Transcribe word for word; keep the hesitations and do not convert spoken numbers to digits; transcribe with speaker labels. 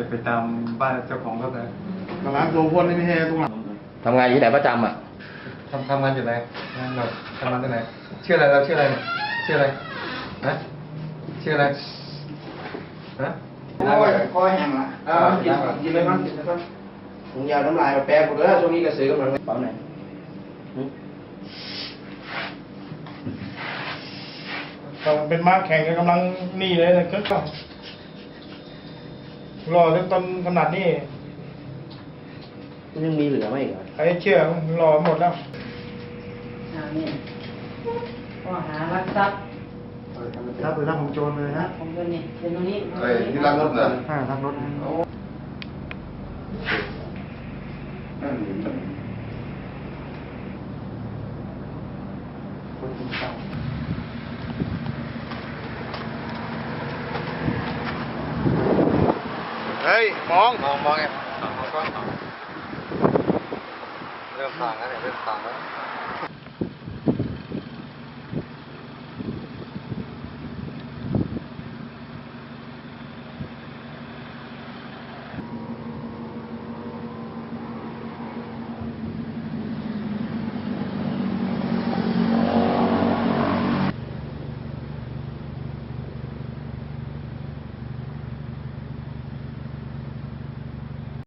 Speaker 1: จะไปตามบ้านเจ้าของรถนะ
Speaker 2: ตลาดโลพนนี่ไม่ใช่ตรงหลัง
Speaker 3: ทำงานอยู่ที่ไหนประจำอ่ะ
Speaker 1: ทำทำงานอยู่ไหนเราทำงานที่ไหนชื่ออะไรเราชื่ออะไรชื่ออะไรนะชื่ออะไรนะ
Speaker 2: โอ้ยคอแห้งละอ่ากินกินเลยมั้งกินเลยมั้งถุงยาน้ำลายมาแปรกูเด้อช่วงนี้กระสือกำลังเป๋าไหนก็เป็นม้าแข่งกันกำลังนี่เลยนะก็รอจนต้นขนาดนี้
Speaker 3: ยังมีเหลือไหมอีกเหรอ
Speaker 2: ใครเชื่อรอหมดแล้ว
Speaker 4: อ่านี่ข้อหารักทรัพย์
Speaker 2: ถ้าเป็นรับของโจรเลยนะ
Speaker 4: ผมก็นี่เป็นตรงนี้
Speaker 5: เฮ้ยนี่รักรถเหรอ
Speaker 2: ถ้าทักรถ
Speaker 5: นั่นนี่
Speaker 2: คนกินข้าว เฮ้ยมอง
Speaker 1: มองมองไงมองกล้องเริ่มต่างแล้วเนี่ยเริ่มต่างแล้ว